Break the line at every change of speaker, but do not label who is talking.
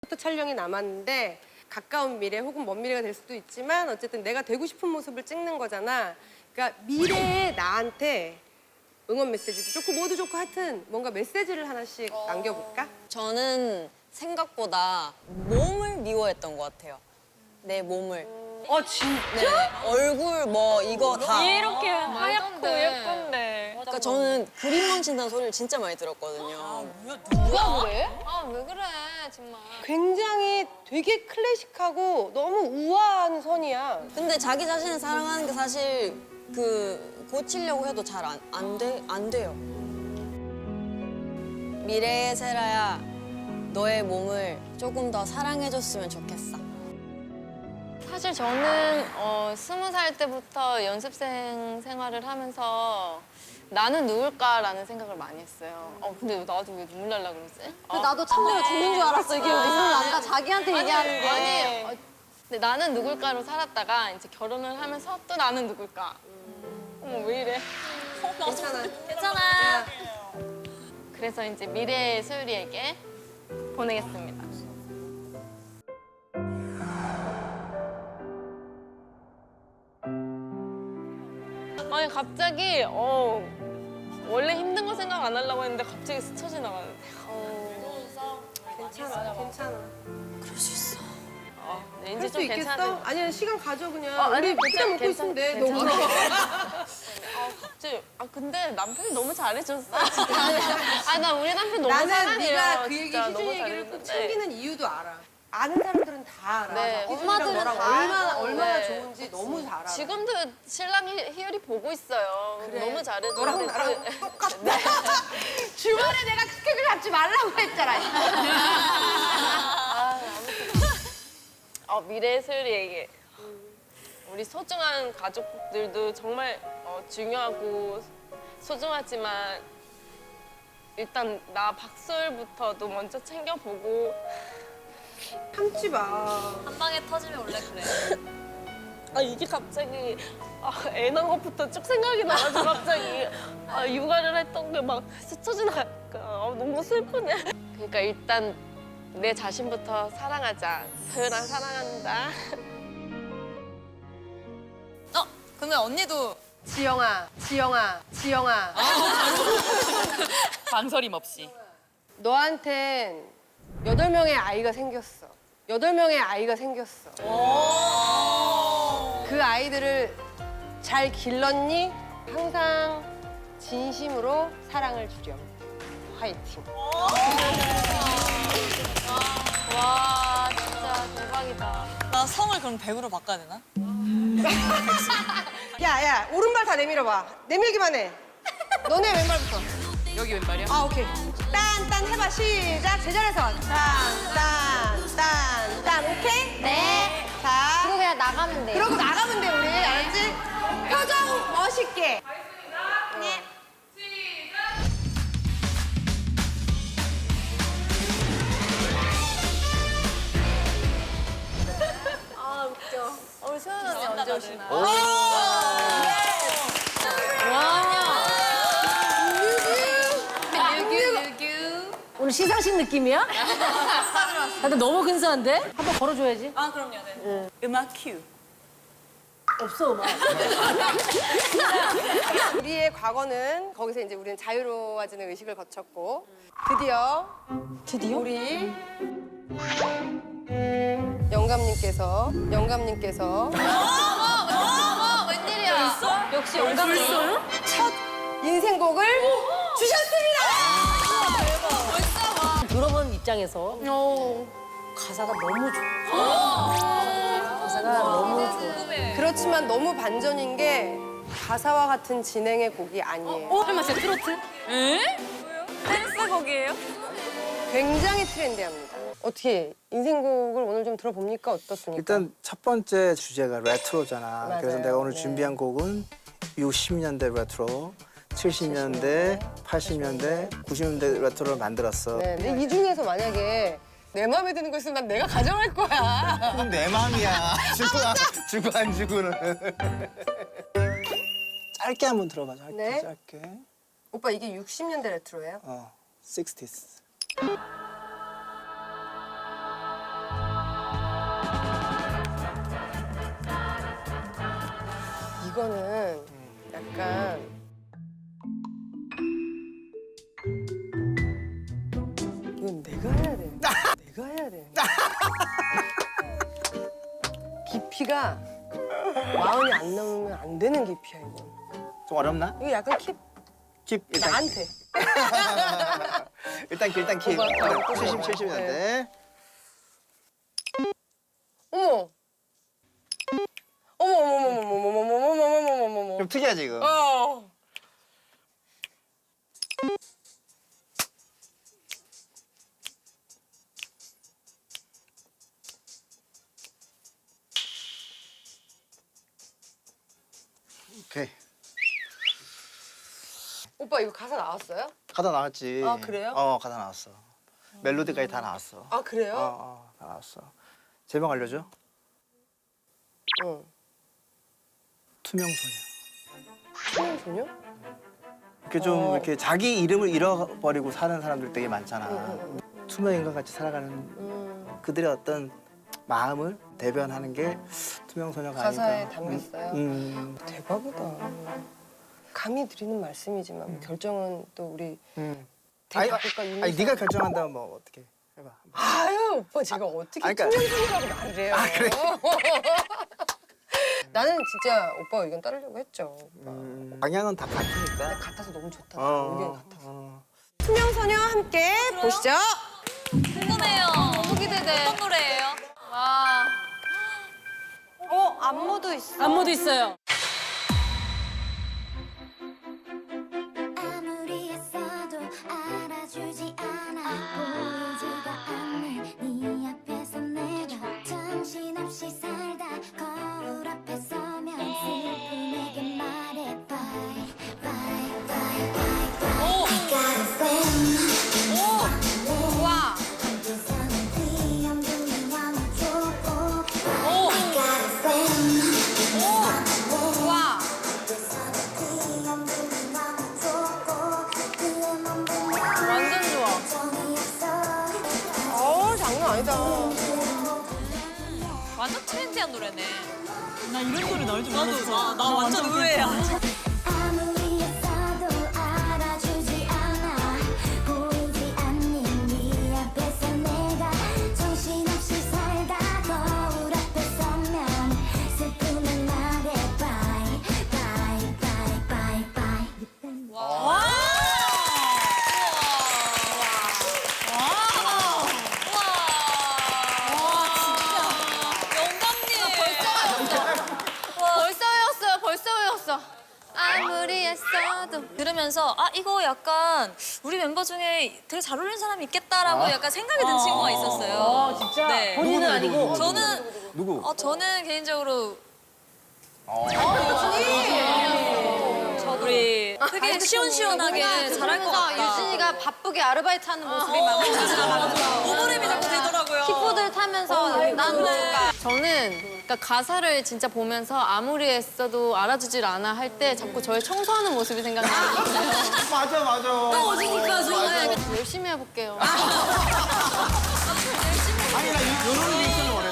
부터 촬영이 남았는데 가까운 미래 혹은 먼 미래가 될 수도 있지만 어쨌든 내가 되고 싶은 모습을 찍는 거잖아. 그러니까 미래의 나한테 응원 메시지도 좋고 뭐도 좋고 하여튼 뭔가 메시지를 하나씩 남겨볼까?
저는 생각보다 몸을 미워했던 것 같아요. 내 몸을.
진짜?
네, 얼굴 뭐 이거 다.
이렇게 하얗고 예쁜데.
그러니까 저는 그림 망친다는 소리를 진짜 많이 들었거든요.
누가 그래? 아, 왜 그래, 정말.
굉장히 되게 클래식하고 너무 우아한 선이야.
근데 자기 자신을 사랑하는 게 사실 고치려고 해도 잘 안 돼요. 미래의 세라야, 너의 몸을 조금 더 사랑해줬으면 좋겠어.
사실 저는 20살 때부터 연습생 생활을 하면서 나는 누굴까라는 생각을 많이 했어요. 근데 나도 왜 눈물 날라 그러지?
나도 참으면 죽는 줄 알았어. 이게 눈물 난다. 자기한테 얘기하는 게.
아니, 근데 나는 누굴까로 살았다가 이제 결혼을 하면서 또 나는 누굴까? 어머, 왜 이래?
괜찮아.
괜찮아. 그래서 이제 미래의 소율이에게 보내겠습니다. 아니 갑자기 원래 힘든 거 생각 안 하려고 했는데 갑자기 스쳐 지나가는데.
괜찮아.
그럴 수 있어.
네, 이제
할 수
좀
있겠어?
괜찮아요.
아니야 시간 가져 그냥.
아니,
우리 피자 먹고 있으면 돼. 너
괜찮아.
울어.
갑자기 근데 남편이 너무 잘해줬어. 나 우리 남편 너무
나는
사랑해요.
네가 그 얘기
진짜
희준
너무
얘기를 꼭
잘해줬는데.
챙기는 이유도 알아. 아는 사람들은 다 알아.
네.
엄마들은 너랑 얼마나
네.
좋은지 너무 잘 알아.
지금도 신랑이 희열이 보고 있어요.
그래.
너무 잘해줘.
너랑 나랑 똑같다. 주말에 내가 스케줄 잡지 말라고 했잖아.
미래의 소율이에게 우리 소중한 가족들도 정말 중요하고 소중하지만 일단 나 박소율부터도 먼저 챙겨보고
참지 마.
한 방에 터지면 원래 그래.
이게 갑자기 애 낳은 것부터 쭉 생각이 나가지고 갑자기 육아를 했던 게 막 스쳐 지나가니까 너무 슬프네. 그러니까 일단 내 자신부터 사랑하자. 소율아 사랑한다.
그러면 언니도
지영아.
망설임 없이.
너한텐 8명의 아이가 생겼어. 8명의 아이가 생겼어. 그 아이들을 잘 길렀니? 항상 진심으로 사랑을 주렴. 화이팅.
와 진짜 대박이다.
나 성을 그럼 100으로 바꿔야 되나?
야, 오른발 다 내밀어봐. 내밀기만 해. 너네 왼발부터.
여기 왼발이야?
오케이. 딴 해봐. 시작. 제자리에서. 딴. 오케이?
네.
자.
그리고 그냥 나가면 돼.
그러고 나가면 돼, 우리. 알았지? 표정 멋있게. 네.
우리 소연 언니 언제 오시나요?
오늘 시상식 느낌이야? 근데 너무 근사한데? 한번 걸어줘야지.
아, 그럼요. 네. 음악 큐.
없어, 음악.
우리의 과거는 거기서 이제 우리는 자유로워지는 의식을 거쳤고 드디어 우리 영감님께서
웬일이야?
역시 영감님.
첫 인생곡을 주셨습니다.
들어본 입장에서 가사가 너무 좋아. 가사가 너무 좋아.
그렇지만 너무 반전인 게 가사와 같은 진행의 곡이 아니에요.
설마 진짜 트로트?
댄스곡이에요?
굉장히 트렌디합니다. 어떻게 인생곡을 오늘 좀 들어봅니까? 어떻습니까?
일단 첫 번째 주제가 레트로잖아.
맞아요.
그래서 내가 오늘
네.
준비한 곡은 60년대 레트로, 70년대, 80년대, 90년대 레트로를 만들었어.
네, 근데 이 중에서 만약에 내 마음에 드는 거 있으면 난 내가 가져갈 거야.
그건 내 마음이야. 주고 안 주고는. 짧게 한번 들어봐. 짧게.
네.
짧게.
오빠 이게 60년대 레트로예요?
60s.
이거는 약간 이건 내가 해야 돼. 내가 해야 돼. 깊이가 마흔이 안 넘으면 안 되는 깊이야 이건.
좀 어렵나?
이거 약간
킵 일단.
나한테.
일단 킵.
오빠,
70이는데.
어머. 어머.
좀 특이하지 이거.
어.
오케이.
오빠 이거 가사 나왔어요?
가사 나왔지.
아, 그래요?
가사 나왔어. 멜로디까지 다 나왔어.
아 그래요?
다 나왔어. 제목 알려줘?
응.
투명소녀.
투명소녀?
이렇게 좀 이렇게 자기 이름을 잃어버리고 사는 사람들 되게 많잖아. 투명 인간 같이 살아가는 그들의 어떤 마음을 대변하는 게 투명소녀가
가사에
아닐까.
담겼어요? 대박이다. 감히 드리는 말씀이지만 결정은 또 우리
아니,
대작곡가 윤희선.
아니 네가 결정한다면 뭐 어떻게 해봐.
아유 오빠 제가 어떻게
아니, 그러니까-
투명소녀라고 말을 해요.
아, 그래?
나는 진짜 오빠 의견 따르려고 했죠. 오빠.
방향은 다 같으니까.
같아서 너무 좋다.
어,
의견 같아서.
어.
투명소녀 함께 보시죠.
궁금해요. 너무 기대돼. 어떤 노래예요? 와.
안무도 있어.
안무도 있어요.
아무리 했어도 알아주지 않아 보이지가 않는 네 앞에서 내가 정신없이 살다 거울 앞에 서면 슬픔에게 말해 bye bye bye bye bye I got a friend
와.
한두서는 귀염둥이 왕초보 I got a friend
와. 완전 좋아.
장난 아니다.
완전 트렌디한 노래네.
나 이런 노래 나올 줄 몰랐어.
나 완전 의외야.
아무리 했어도 알아주지 않아 보이지 않는 네 앞에서 내가 정신없이 살다 거울 앞에 서면 슬픔을 말해 bye bye bye bye bye
와. 벌써 외웠어. 아무리 했어도.
들으면서 아 이거 약간 우리 멤버 중에 되게 잘 어울리는 사람이 있겠다라고 약간 생각이 든 친구가 있었어요.
진짜?
네.
본인은 아니고.
저는
누구?
저는 개인적으로 우리 되게 시원시원하게 잘할 것 같다.
유진이가 바쁘게 아르바이트 하는 모습이 막
오버랩이 자꾸 되더라고요.
킥보드를 타면서 저는 그러니까 가사를 진짜 보면서 아무리 애써도 알아주질 않아 할 때 자꾸 저의 청소하는 모습이 생각나요.
맞아.
어디니까 정말 열심히 해볼게요.
아니 나 이런 리액션을 원해.